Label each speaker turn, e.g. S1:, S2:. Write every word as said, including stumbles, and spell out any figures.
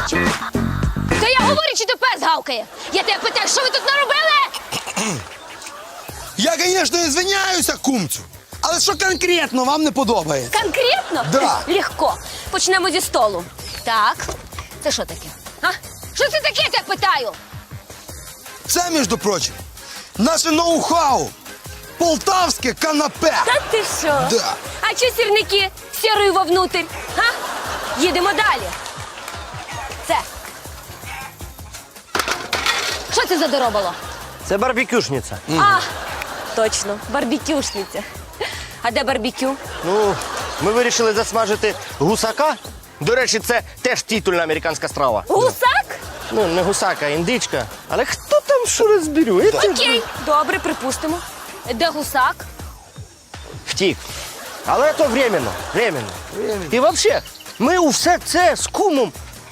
S1: мовчиш? То я говорю, чи то пес гавкає? Я тебе питаю, що ви тут наробили?
S2: Я, звісно, ізвиняюся, кумцю. Але що конкретно вам не подобається?
S1: Конкретно?
S2: Да.
S1: Легко. Почнемо зі столу. Так, це що таке? А? Що це таке, я тебе питаю?
S2: Це, між прочим, наше ноу-хау. Полтавське канапе.
S1: Та ти що?
S2: Да.
S1: А чи сірники сірою вовнутрь? Га? Їдемо далі. Це. Що це за доробало?
S3: Це барбекюшниця.
S1: А, точно, барбекюшниця. А де барбекю?
S3: Ну, ми вирішили засмажити гусака. До речі, це теж титульна американська страва.
S1: Гусак?
S3: Ну, не гусака, а індичка. Але хто там що розберу?
S1: Окей, добре, припустимо. Де гусак?
S3: Втік. Але то временно, временно. І взагалі, ми у все це з кумом